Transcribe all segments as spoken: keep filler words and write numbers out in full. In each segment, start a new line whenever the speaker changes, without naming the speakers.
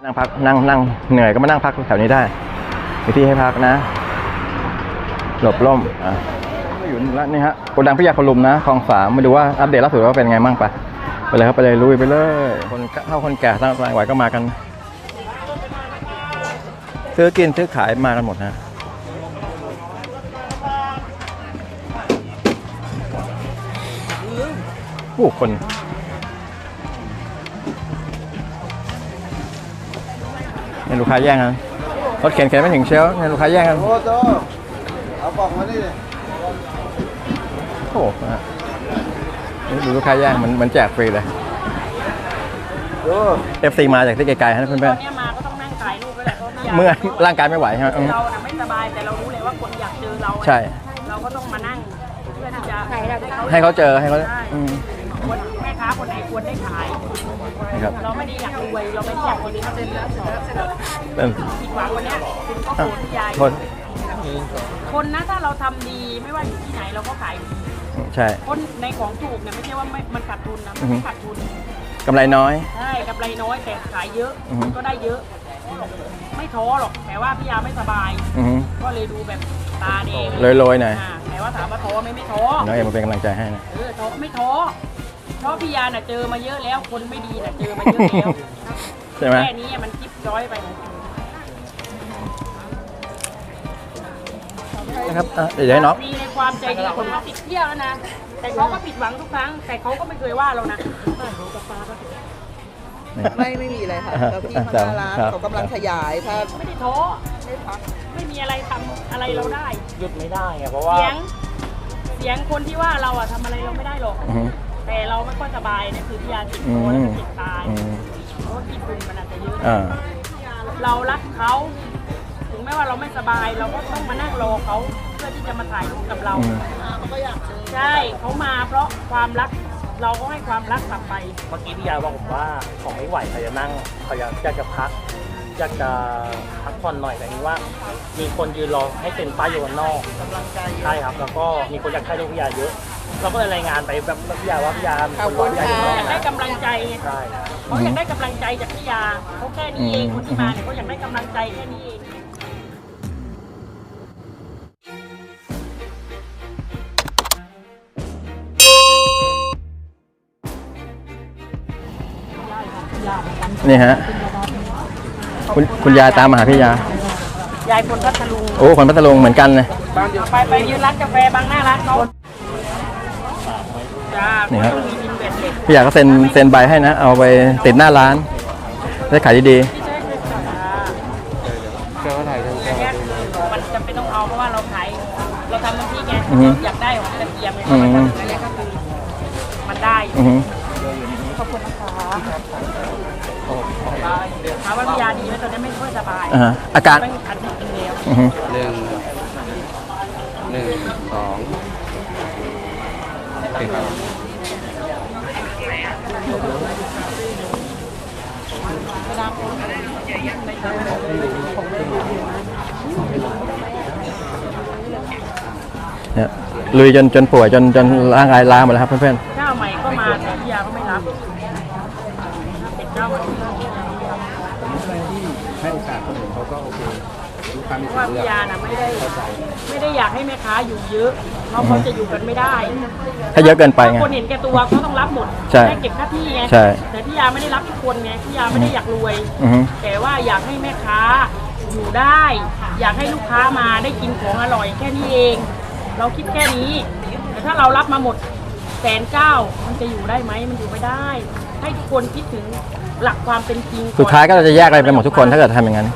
นั่งพักนั่งนั่งเหนื่อยก็มานั่งพักแถวนี้ได้มีที่ให้พักนะหลบร่มอ่ะอยู่แล้วนี่ฮะโกดังพิยาคลุมนะคลองสามมาดูว่าอัปเดตล่าสุดว่าเป็นไงบ้างปะไปเลยครับไปเลยลุยไปเลยคนเฒ่าคนแก่ทั้งหลายไหวก็มากันซื้อกินซื้อขายมากันหมดนะผู้คนเนี่ยลูกค้าแย่งกันรถเข็นเข็นไม่ถึงเชลฟ์เนี่ยลูกค้าแย่งกันโอ้โตเอากล่องมาดิโอ้โหนี่ดูลูกค้าแย่งมันมันแจกฟรีเลยเอฟซีมาจากที่ไกลๆนะเพื่อนๆตอนนี้มาก็ต้องนั่งถ่ายรูปด้วยแหละเมื่อร่างกายไม่ไหวใช่ไหมเราน่ะไม่สบายแต่เรารู้เลยว่าคนอยากเจอเราใช่เราก็ต้องมานั่งเพื่อที่จะให้เขาเจอให้เขาแม่ค้าคนไหนควรได้ขายเราไม่ได้อยากรวยเราไม่ได้อยากคนนี้เขาเป็นเป็นผิดหวังวันนี้คุณก็โกรธใจคนคนนะถ้าเราทำดีไม่ว่าอยู่ที่ไหนเราก็ขายดีใช่คนในของถูกเนี่ยไม่ใช่ว่าไม่มันขาดทุนนะไม่ขาดทุนกำไรน้อยใช่กำไรน้อยแต่ขายเยอะก็ได้เยอะไม่ท้อหรอกแต่ว่าพี่ยาไม่สบายก็เลยดูแบบตาแดงเลยลอยหน่อยแต่ว่าถามว่าท้อไม่ไม่ท้อน้องเอ็มมาเป็นกำลังใจให้นะเออท้อไม่ท้อเพราะพี่ยาน่ะเจอมาเยอะแล้วคนไม่ดีน่ะเจอมาเยอะแล้วใช่ไหมแค่นี้มันจิ๊บจ้อยไปนะครับเดี๋ยวให้น้องมีในความใจดีคนมาติดเที่ยวนะแต่เขาก็ผิดหวังทุกครั้งแต่เขาก็ไม่เคยว่าเรานะ
ไม่ไม่มีอะไรค่ะแล้วพี่เขาน่ารักเขากำลังขยายถ้า
ไม่ได้ท้อไม่พักไม่มีอะไรทำอะไรเราได้
หยุดไม่ได้ไงเพราะว่า
เสียงเสียงคนที่ว่าเราอะทำอะไรเราไม่ได้หรอกแต่เราไม่ค่อยสบายเนี่ยคือพี่ยาติดคอแล้วติดตายเพราะว่าที่คุณมันอาจจะเยอะเรารักเขาถึงแม้ว่าเราไม่สบายเราก็ต้องมานั่งรอเขาเพื่อที่จะมาถ่ายรูปกับเราใช่เขามาเพราะความรักเราก็ให้ความรักกลับไป
เมื่อกี้พี่ยาบอกผมว่าของไม่ไหวเขาจะนั่งเขาอยากจะพักอยากจะพักผ่อนหน่อยแต่นี้ว่ามีคนยืนรอให้เซ็นป้ายอยู่นอกกำลังใจใช่ครับแล้วก็มีคนอยากให้ลูกพี่ยาเยอะเราก็เลยรายงานไปแบบพี่ยาว่าพี่ยา
เขาอยากได้กำลังใจใช่เขาอยากได้กำลังใจจากพี่ยาเขาแค่นี้เองคนที่มาเนี่ยเขาอยากได้กำลังใจแค่นี้เองนี่ฮะคุณคุณยายตามมาหาพี่ยา ยายคนพัทลุงโอ้คนพัทลุงเหมือนกันเลยไปไปยืนร้านกาแฟบางหน้าร้านเขาจ้านี่ครับพี่ยาก็เซ็นเซ็นใบให้นะเอาไปติดหน้าร้านได้ขายดีๆ
มันจำเป็นต้องเอาเพราะว่าเราขายเราทำน้ำพริกไงอยากได้ของกระเทียมไงอันนี้ก็คือมันได้ขอบคุณนะคะถามว่าพี่ยาดีไหมตอนนี้ไม่ค่อยสบาย
อาการ
อันนี้กินเร็ว
หนึ่งหนึ่งสอง
เนี่ยลุยจนจนป่วยจนจนร่างกายล้าหมดแล้วครับเพื่อน
ๆเจ้าใหม่ก็มาแต่พี่ยาก็ไม่รับเป็นเจ้าใหม่
ให้โอกาสคนอื่นเขาก็โอเค
เพราะว่าพี่ยาน่ะไม่ได้ไม่ได้อยากให้แม่ค้าอยู่เยอะเพราะเขาจะอยู่กันไม่ได้
ถ้าเยอะเกินไปไง
คนเห็นแก่ตัวเขาต้องรับหมดได้เก็บค่าที่ไงแต่พี่ยาไม่ได้รับทุกคนไงพี่ยาไม่ได้อยากรวยแต่ว่าอยากให้แม่ค้าอยู่ได้อยากให้ลูกค้ามาได้กินของอร่อยแค่นี้เองเราคิดแค่นี้แต่ถ้าเรารับมาหมดแสนเก้ามันจะอยู่ได้ไหมมันอยู่ไม่ได้ให้ทุกคนคิดถึงหลักความเป็นจริง
สุดท้ายก็จะแยกอะไรไปหมดทุกคนถ้าเกิดทำอย่างนั้น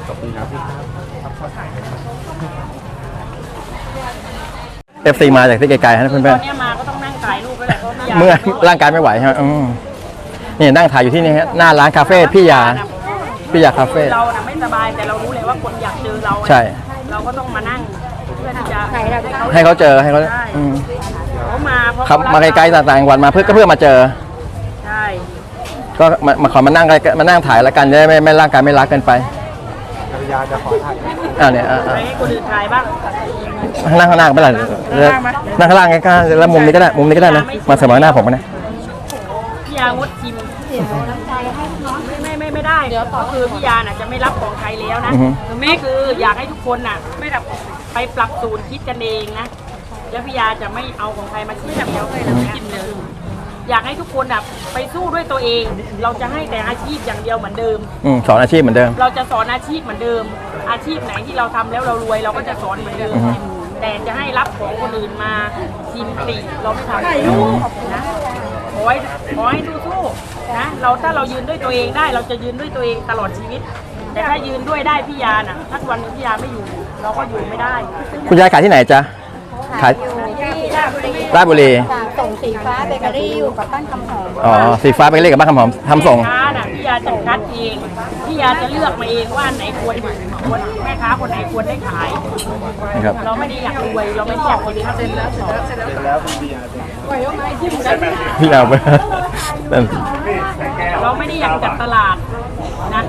เอฟซีมาจากที่ไกลๆนะเพื่อนๆตอน
นี้มาก็ต้องนั่งถ่ายรูปด้วยแหละ
เมื่อร่างกายไม่ไหวใช่ไหมนี่นั่งถ่ายอยู่ที่นี่ฮะหน้าร้านคาเฟ่พี่ยาพี่ยาคาเฟ่
เราน่ะไม่สบายแต่เรารู้เลยว่าคนอยากเจอเรา
ใช่
เราก็ต้องมานั่งเพื่อที่จะ
ให้เขาเจอให้เขา
เขามาเพราะ
ขับมาไกลๆต่างจังหวัดมาเพื่อก็เพื่อมาเจอ
ใช่
ก็มาขอมานั่งมานั่งถ่ายแล้วกันจะได้ไม่ไม่ร่างกายไม่รักเกินไป
ภรรยาจะขอถ่าย
อ่าเนี่ย
ให้คนอื่นถ่ายบ้าง
นั่งข้างหน้าไม่เป็นไรนั่งข้างล่างใกล้ๆแล้วมุมนี้ก็ได้มุมนี้ก็ได้นะมาเสมอหน้าผมก็ได้
พี่ยยางดชิมไม่ไม่ไม่ไม่ได้ก็คือพี่ยาน่ะจะไม่รับของใครแล้วนะแม่คืออยากให้ทุกคนน่ะไม่แบบไปปรับสูตรคิดกันเองนะแล้วพี่ยาจะไม่เอาของใครมาชิมเดียวเลยนะกินเลยอยากให้ทุกคนแบบไปสู้ด้วยตัวเอง เราจะให้แต่อาชีพอย่างเดียวเหมือนเดิม
อืมสอนอาชีพเหมือนเดิม
เราจะสอนอาชีพเหมือนเดิม อาชีพไหนที่เราทำแล้วเรารวยเราก็จะสอนเหมือนเดิม แต่จะให้รับของคนอื่นมาชิมติเราไม่ทำนะขอให้ขอให้สู้ๆนะเราถ้าเรายืนด้วยตัวเองได้ เราจะยืนด้วยตัวเองตลอดชีวิต แต่ถ้ายืนด้วยได้พี่ยาน่ะถ้าวันนึงพี่ยาไม่อยู่ เราก็อยู่ไม่ได้
คุณยายขายที่ไหนจ๊ะขาย
ที่ราชบุรี
ราชบุรี
ส่งสีฟ้าเบเกอรี่อยู่กับบ้านคำหอม
อ๋อสีฟ้าไปเรียกกับบ้านคำหอมทำส่ง
แม่ค้าน่ะพี่ยาจะคัดเองพี่ยาจะเลือกมาเองว่าไหนควรควรแม่ค้าคนไหนควรได้ขาย
นะครับ
เราไม่ได้อยากรวยเราไม่ได้อยากคนนี้เซ็นแล้วเสร็จแล้วเสร็จแล้วปล่อยออกมาที่มัน
พี่เอาไปนั่น
เราไม่ได้อยากจัดตลาดนะ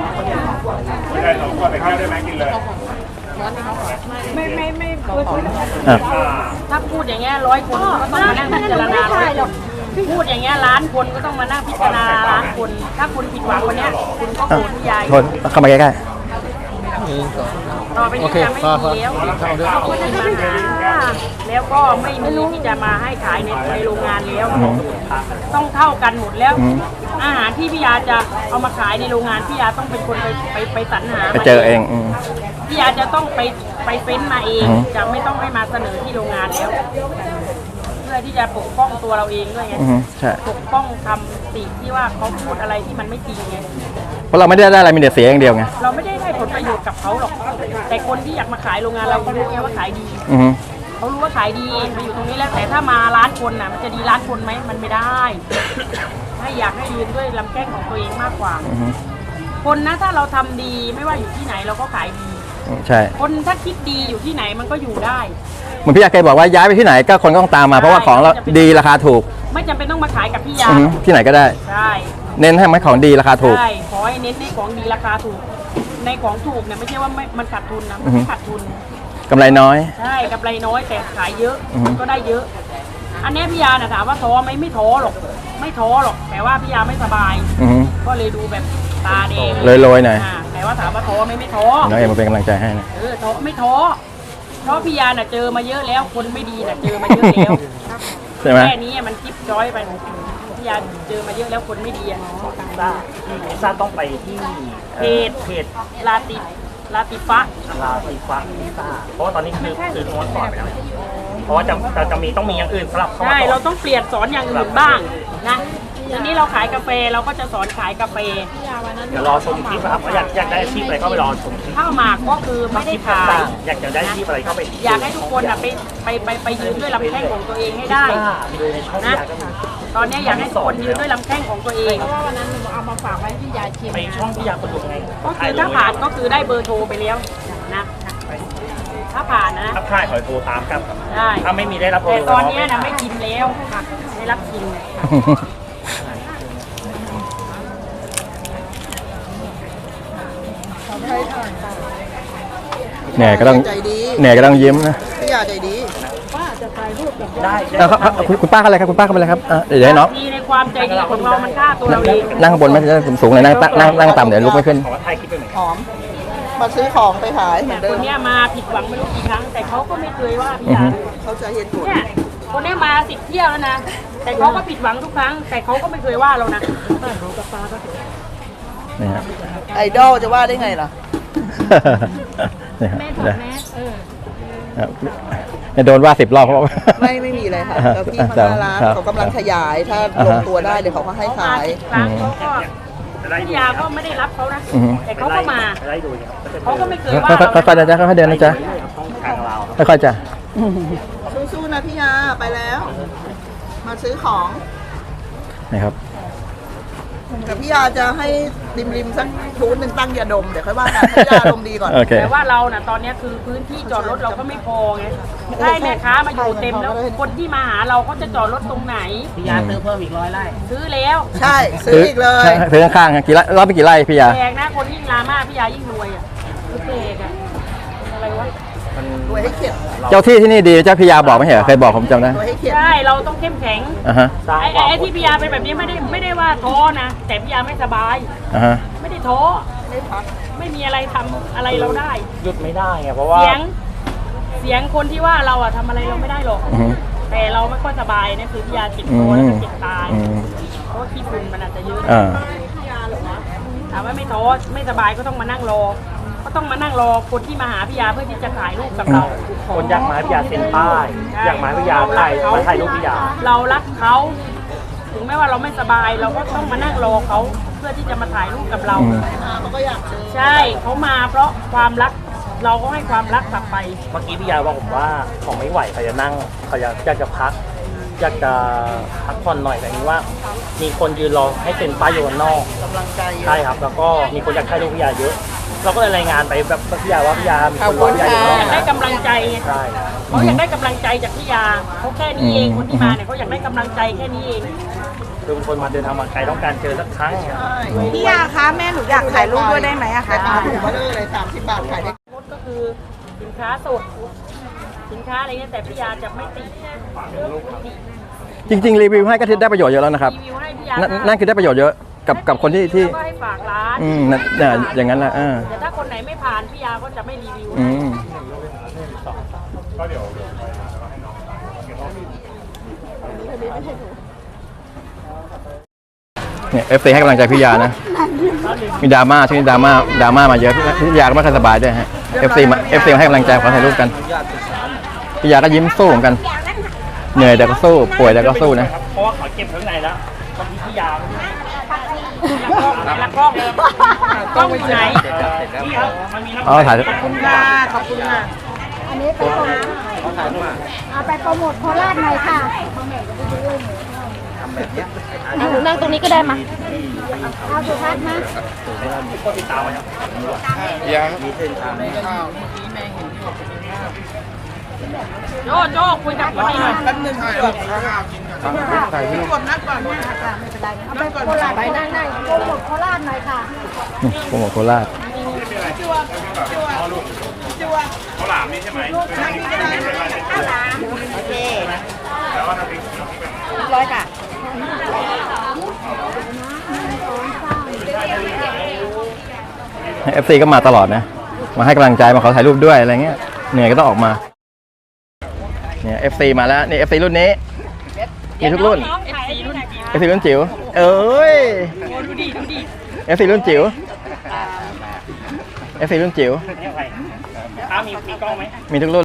ไม่ไม่ไม่พูด
อ่ะ
ถ้าพูดอย่างเงี้ยร้อยคนก็ต้องมานั่งพิจารณาร้อยคนพูดอย่างเงี้ยล้านคนก็ต้องมานั่งพิจารณาล้านคน ถ้าคุณผิดหวังวันเนี้ยคุณก็โกรธพี่ยาย
โทษเข้ามาใกล้
ต่อไปนี้จะไม่มีแล้วคนที่มาหาแล้วก็ไม่มีที่จะมาให้ขายในในโรงงานแล้ว ต้องเท่ากันหมดแล้ว อาหารที่พี่ยาจะเอามาขายในโรงงานพี่ยาต้องเป็นคนไปไปไปสรรหา
ๆไปเจอเองอืม
พี่ยาจะต้องไปไปเฟ้นมาเอง
อือฮึ
จะไม่ต้องให้มาเสนอที่โรงงานแล้ว เพื่อที่จะปกป้องตัวเราเองด้วยไง
อืมใช่
ปกป้องคำติที่ว่าเขาพูดอะไรที่มันไม่จริงไง
เพราะเราไม่ได้ได้อะไรมีแต่เสียอย่างเดียวไง
เราไม่ได้ได้ผลประโยชน์กับเขาหรอก แต่คนที่อยากมาขายโรงงานเราเขารู้ไงว่าขายดี
อือฮึ
เขารู้ว่าขายดีมาอยู่ตรงนี้แล้วแต่ถ้ามาร้านคนน่ะมันจะดีร้านคนไหมมันไม่ได้ให้อยากให้ยืนด้วยลำแข้งของตัวเองมากกว่า
อือฮึ
คนนะถ้าเราทำดีไม่ว่าอยู่ที่ไหนเราก็ขายดี
อืมใช่
คนถ้าคิดดีอยู่ที่ไหนมันก็อยู่ได้
เหมือนพี่ยาเคยบอกว่าย้ายไปที่ไหนก็คนก็ต้องตามมาเพราะว่าของเราดีราคาถูก
ไม่จำเป็นต้องมาขายกับพี่ยา
อือฮึที่ไหนก็ได้
ใช่
เน้นให้มันของดีราคาถูก
ใช่ขอให้เน้นในของดีราคาถูก ในของถูกเนี่ยไม่ใช่ว่าไม่มันขาดทุนนะ
อือฮึ
ไม่ขาดทุน
กำไรน้อย
ใช่กำไรน้อยแต่ขายเยอะ
อือฮึ
ก็ได้เยอะ อันเนี้ยพี่ยาน่ะถามว่าท้อไหมไม่ท้อหรอก ไม่ท้อหรอก แต่ว่าพี่ยาไม่สบาย
อือฮึ
ก็เลยดูแบบตาแดง
โรยๆหน่อย
าแต่ว่าถามว่าท้อไหมไม่ท้อ
น้องเอ็มมาเป็นกำลังใจให้นะ
เออท้อไม่ท้อเพราะพี่ยาน่ะเจอมาเยอะแล้ว คนไม่ดีน่ะเจอมาเยอะแล้ว
ใช่ไหม
แค่นี้มันจิ๊บจ้อยไปพี่ยาเจอมาเยอะแล้วคนไม่ดีอ่ะ
ซ่าซ่าต้องไปที่
เพจ
เพจ
ลาติลาติฟะ
ลาติฟ้าซ่าเพราะว่าตอนนี้คือคือม้วนสอนไปแล้วเพราะว่าจะจะจะมีต้องมีอย่างอื่นสำหรับเข้ามา
ใช่
ส
เรา
อน
ต้องเปลี่ยนสอนอย่างอื่นบ้างนะทีนี้เราขายกาแฟเราก็จะสอนขายกาแฟ
เดี๋ยวรอชมคลิปนะครับว่าอยากอยากได้อาชีพอะไรเข้าไปรอชมคลิป
ข้าวหมากก็คือไม่ได้ขาย
อยากจะได้อาชีพอะไรเข้าไป
อยากให้ทุกคนอะไปไปไปไปยืนด้วยลำแข้งของตัวเองให้ได้
ซ่าไปดูในช่องอยากก็มี
ตอนนี้อยากให้ทุกคนยืนด้วยลำแข้งของตัวเอง
ไปช่องพี่ยาคนดูไง
ก็คือถ้าผ่านก็คือได้เบอร์โทรไปแล้วนะถ้าผ่านนะ
ถ้าค่ายขอโทรตามครับ
ได้
ถ้าไม่มีได้รับโทร
แต่ตอนนี้นะไม่กินแล้วค่ะไม่รับกิน
เหนื่อยก็ต้อง
ใจดี
เหนื่อยก็ต้องยิ้มนะ
พี่ยาใจดี
ได้
เอาครับเอาคุณคุณป้าเขาอะไรครับคุณป้าเขาอะไรครับอ่ะเดี๋ยวให้น้อง
ดีในความใจดีของเรามันฆ่าตัวเราเอง
นั่งข้างบนไหมจะได้สูงๆเลยนั่งนั่งนั่งต่ำเดี๋ยวลุกไม่ขึ้น
ขอถ่ายคลิปไปหน่อย
หอม มาซื้อของไปขายเหมือนเดิ
ค
ม
นเนี้ยมาผิดหวังไม่รู้กี่ครั้ง แต่เขาก็ไม่เคยว่าพี่ยา
เขาจะเห็นผล
เนี่ยคนเนี้ยมาสิบเที่ยวแล้วนะ แต่เขาก็ผิดหวังทุกครั้ง แต่เขาก็ไม่เคยว่าเรานะ
นี่ฮะ
ไอดอลจะว่าได้ไงล่ะ
นี่ฮะเดี๋ยวครับเนี่ยโดนว่าสิบรอบเพราะว่า
ไม่ไม่มีเลยค่ะแล้วพี่เขาน่ารัก
ครับ
เขากำลังขยาย ถ้าลงตัวได้เดี๋ยวเขาก็ให้
เขามา
ขาย
สิบครั้งเขาก็พี่ยาก็ไม่ได้รับเขานะ
อือฮึ
แต่เขาก็มา
ได้ดูครับ
เขาก็ไม่เคยว่า
ค่อย
เรา
ๆค่อยๆนะจ๊ะค่อยๆเดินนะจ๊ะ
ช่องทางเรา
ค่อยๆจ้ะ
สู้ๆนะพี่ยาไปแล้ว มาซื้อของ
นี่ครับ
แต่พี่ยาจะให้ริมริมๆสักทูนหนึ่งตั้งยาดม เดี๋ยวค่อยว่ากันให้ยาลมณ์ดีก่อน
โอเค
แต่ว่าเราน่ะตอนเนี้ยคือพื้นที่จอดรถเราก็ไม่พอไงถ้าให้แม่ค้ามาอยู่เต็มแล้วคนที่มาหาเราเขาจะจอดรถตรงไหน
พี่ยาซื้อเพิ่มอีกร้อยไร่
ซื้อแล้ว
ใช่ ซื้ออีกเลย
ซื้อข้างๆอ่ะกี่ไร่รอบไปกี่ไร่พี่ยา
แพงนะคนยิ่งลามาพี่ยายิ่งรวยอ่ะคือเปกอ่ะอะไรวะ
มัน
รวยให้เข็ด
เจ้าที่ที่นี่ดีเจ้าพิยาบอกไม่ใช่เหรอเคยบอกผมจำได้
รวยให้เข็ด
ใช่เราต้องเข้มแข็ง
อ่าฮะ
สร้าง
ไอ้
ความ
ไอ้ที่พี่ยาเป็นแบบนี้ไม่ได้ไม่ได้ว่าท้อนะแต่พี่ยาไม่สบาย
อ่าฮะ
ไม่ได้ท้อ
ไม่พัก
ไม่มีอะไรทำอะไรเราได้
หยุดไม่ได้ไงเพราะว่า
เสียงเสียงคนที่ว่าเราอะทำอะไรเราไม่ได้หรอก
อือฮึ
แต่เราไม่ค่อยสบายเนี่ยคือพี่ยาเจ็บ
อื
ตัว
ม
แล้วก็เจ็บตาย
อืม
เพราะว่าขี้ฝุ่นมันอาจจะเยอะ
อ่า
ถามว่าไม่ท้อไม่สบายก็ต้องมานั่งรอ ก็ต้องมานั่งรอคนที่มาหาพี่ยาเพื่อที่จะถ่ายรูปกับเรา
คนอยากมาให้พี่ยาเซ็นป้ายอยากมาให้พี่ยาถ่ายมาถ่ายรูปพี่ยา
เรารักเขาถึงแม้ว่าเราไม่สบาย เราก็ต้องมานั่งรอเขาเพื่อที่จะมาถ่ายรูปกับเรา
อืม
เขาก็อยากเจอ
ใช่เขามาเพราะความรักเราก็ให้ความรักกลับไป
เมื่อกี้พี่ยาบอกผมว่าเขาไม่ไหวเขาจะนั่งเขาอยากอยากจะพัก อยากจะพักผ่อนหน่อยแต่นี้ว่า มีคนยืนรอให้เซ็นป้ายอยู่ข้างนอก
กำลังใจเยอะ
ใช่ครับ แล้วก็มีคนอยากถ่ายรูปพี่ยาเยอะ เราก็เลยรายงานไปแบบพี่ยาว่าพี่ยามีคนรอพี่ยาอยู่ข้างนอก
อยากได้กำลังใจไง
ใช่
เขาอยากได้กำลังใจจากพี่ยาเขาแค่นี้เองคนที่มาเนี่ยเขาอยากได้กำลังใจแค่นี้เอง
คือเป็นคนมาเดินทางมาไกลต้องการเจอสักครั้งครับ
พี่ยาคะแม่หนูอยากถ่ายรูปด้วยได้ไหมอะ
ขา
คะ
ยปลาถูกมาเลยสามสิบบาทขายได้
มดก็คือสินค้าสดสินค้าอะไรเงี้ยแต่พี่ยาจะไม่ติด
จริงๆรีวิวให้ก็ได้ประโยชน์เยอะแล้วนะครับ
รีวิวให้พี่ยา
นั่นนั่นคือได้ประโยชน์เยอะกับกับคนที่ที่
แล้วก็ให้ฝากร้าน
อืมนั่นน่ะอย่างนั้นแหละอ่า
แต่ถ้าคนไหนไม่ผ่านพี่ยาก็จะไม่รีวิว
อืมเนี่ยเอฟซีให้กำลังใจพี่ยานะ มีดราม่าช่วงนี้ดราม่าดราม่ามาเยอะพี่ยาก็ไม่ค่อยสบายด้วยฮะเอฟซีมาเอฟซีให้กำลังใจขอถ่ายรูปกันพี่ยาก็ยิ้มสู้เหมือนกัน เหนื่อยแต่ก็สู้ป่วยแต่ก็สู้นะ
เพราะว่าเขาเก็บข้างในแล้วบางทีพี่ยา
แล้วกล้องกล้องอยู่ไหน
นี่ครับมันมีน้ำ
เอาถ่าย
ขอบคุณค่ะขอบคุณค่ะ
อันนี้ไปโปรโมทเอาไปโปรโมทโคราชหน่อยค่ะนั่งนั่งตรงนี้ก็ได้มาเอาสุทัศน์นะ
ก็ติดตามไว้ครับ
โจ้โจ้คุยกับคนนี้หน่อย
แป๊บนึงเกือบกดนัดก่อน
เอาไปโคราชไปนั่งนั่งโปรโมทโคราชหน่อยค่ะ
โปรโมทโคราช
ร้อยค่ะ
เอฟซีก็มาตลอดนะ มาให้กำลังใจมาขอถ่ายรูปด้วยอะไรเงี้ยเหนื่อยก็ต้องออกมาเนี่ยเอฟซีมาแล้วนี่เอฟซีรุ่นนี้มีทุกรุ่น
น้องๆ เอฟ ซี รุ่นจิ๋ว
เอฟซีรุ่นจิ๋วเอ้ย
โอ้ดูดิดูดิ
เอฟซีรุ่นจิ๋วเอฟซีรุ่นจิ๋ว
นี่อะไรอ้ามีมีกล้องไหม
มีทุกรุ่น